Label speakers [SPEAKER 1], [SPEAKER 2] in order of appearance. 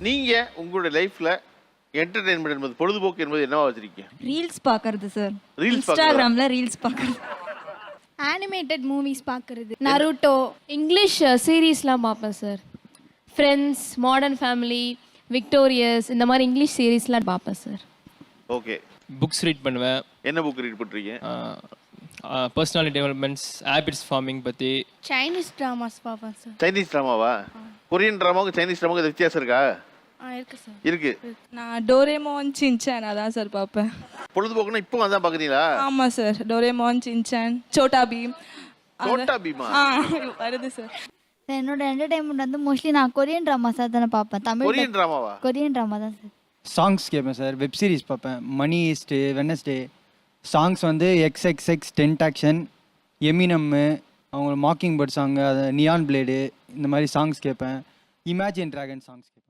[SPEAKER 1] நீங்க உங்களுடைய லைஃப்ல என்டர்டெயின்மெண்ட் என்பது பொழுதுபோக்கு என்பது என்னவா வச்சிருக்கீங்க?
[SPEAKER 2] ரீல்ஸ் பார்க்கறது சார்.
[SPEAKER 1] ரீல்ஸ்
[SPEAKER 2] இன்ஸ்டாகிராம்ல ரீல்ஸ் பார்க்கறது.
[SPEAKER 3] அனிமேட்டட் மூவிஸ் பார்க்கறது, நருட்டோ.
[SPEAKER 4] இங்கிலீஷ் சீரீஸ்லாம் பார்ப்பேன் sir. Friends, modern family, victorious, இந்த மாதிரி இங்கிலீஷ் சீரீஸ்லாம் பார்ப்பேன் சார்.
[SPEAKER 1] ஓகே.
[SPEAKER 5] புக்ஸ் ரீட் பண்ணுவேன்.
[SPEAKER 1] என்ன புக் ரீட் பண்றீங்க?
[SPEAKER 5] பர்சனாலிட்டி டெவலப்மெண்ட்ஸ், ஹேபிட்ஸ் ஃபார்மிங் பற்றி.
[SPEAKER 3] சைனீஸ் ட்ராமாஸ் பார்ப்பேன் சார்.
[SPEAKER 1] சைனீஸ் ட்ராமாவா? கொரியன் ட்ராமாவுக்கு சைனீஸ் ட்ராமாவுக்கு வித்தியாசம் இருக்கா?
[SPEAKER 3] இருக்கு சார்.
[SPEAKER 1] இருக்கு.
[SPEAKER 6] நான் டோரேமோன் சின்சான் அதான் சார் பார்ப்பேன்.
[SPEAKER 1] பொழுதுபோக்குனா இப்போ அதான் பார்க்குறீங்களா?
[SPEAKER 6] ஆமாம் sir. Doraemon Shinchan, Chhota Bheem.
[SPEAKER 1] Chhota பீமா
[SPEAKER 6] வருது சார்.
[SPEAKER 7] என்னோட என்டர்டைன்மெண்ட் வந்து மோஸ்ட்லி நான் கொரியன் ட்ராமாஸாக தானே பார்ப்பேன். தமிழ்
[SPEAKER 1] கொரியன் ட்ராமாவா?
[SPEAKER 7] கொரியன் ட்ராமா தான் சார்.
[SPEAKER 8] சாங்ஸ் கேட்பேன் சார். வெப் சீரிஸ் பார்ப்பேன். Money heist, Wednesday. சாங்ஸ் வந்து XXX டென்டாக்ஷன், எமினம்மு, அவங்க மாக்கிங் பேர்ட் சாங்கு, அது நியான் பிளேடு, இந்த மாதிரி சாங்ஸ் கேட்பேன். இமேஜின் ட்ராகன் சாங்ஸ் கேட்பேன்.